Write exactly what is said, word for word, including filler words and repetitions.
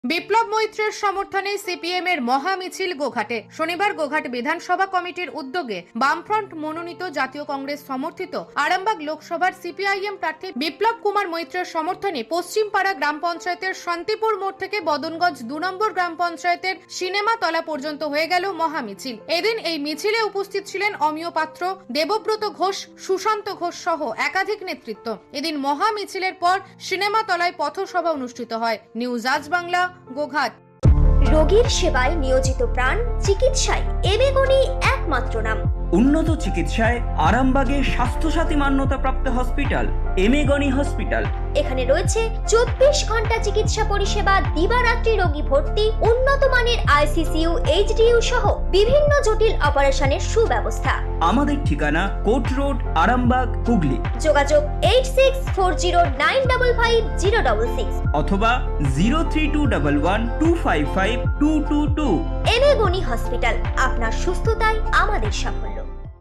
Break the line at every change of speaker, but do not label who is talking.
বিপ্লব মৈত্রের সমর্থনে সিপিএম এর মহা মিছিল গোঘাটে। শনিবার গোঘাট বিধানসভা কমিটির উদ্যোগে বামফ্রন্ট মনোনীত জাতীয় কংগ্রেস সমর্থিত আরামবাগ লোকসভার সিপিআইএম প্রার্থী বিপ্লব কুমার মৈত্রের সমর্থনে পশ্চিমপাড়া গ্রাম পঞ্চায়েতের শান্তিপুর মোড় থেকে বদনগঞ্জ দু নম্বর গ্রাম পঞ্চায়েতের সিনেমা তলা পর্যন্ত হয়ে গেল মহা মিছিল। এদিন এই মিছিলে উপস্থিত ছিলেন অমিয় পাত্র, দেবব্রত ঘোষ, সুশান্ত ঘোষ সহ একাধিক নেতৃত্ব। এদিন মহা মিছিলের পর সিনেমা তলায় পথসভা অনুষ্ঠিত হয়। নিউজ আজ বাংলা, গোঘাট।
রোগীর সেবায় নিয়োজিত প্রাণ, চিকিৎসায় এবেগুনি একমাত্র নাম।
উন্নত চিকিৎসায় আরামবাগে স্বাস্থ্যসাথী মান্যতাপ্রাপ্ত হসপিটাল এমেগনি হসপিটাল।
এখানে রয়েছে চব্বিশ ঘন্টা চিকিৎসা পরিষেবা, দিবারাত্রি রোগী ভর্তি, উন্নত মানের আইসিসিইউ, এইচডিইউ সহ বিভিন্ন জটিল অপারেশনের সুব্যবস্থা।
আমাদের ঠিকানা কোট রোড, আরামবাগ, হুগলি।
যোগাযোগ eight six four zero nine double five zero double six
অথবা zero three two double one two five five two two two.
এবেগুনি হসপিটাল, আপনার সুস্থতাই আমাদের সাফল্য।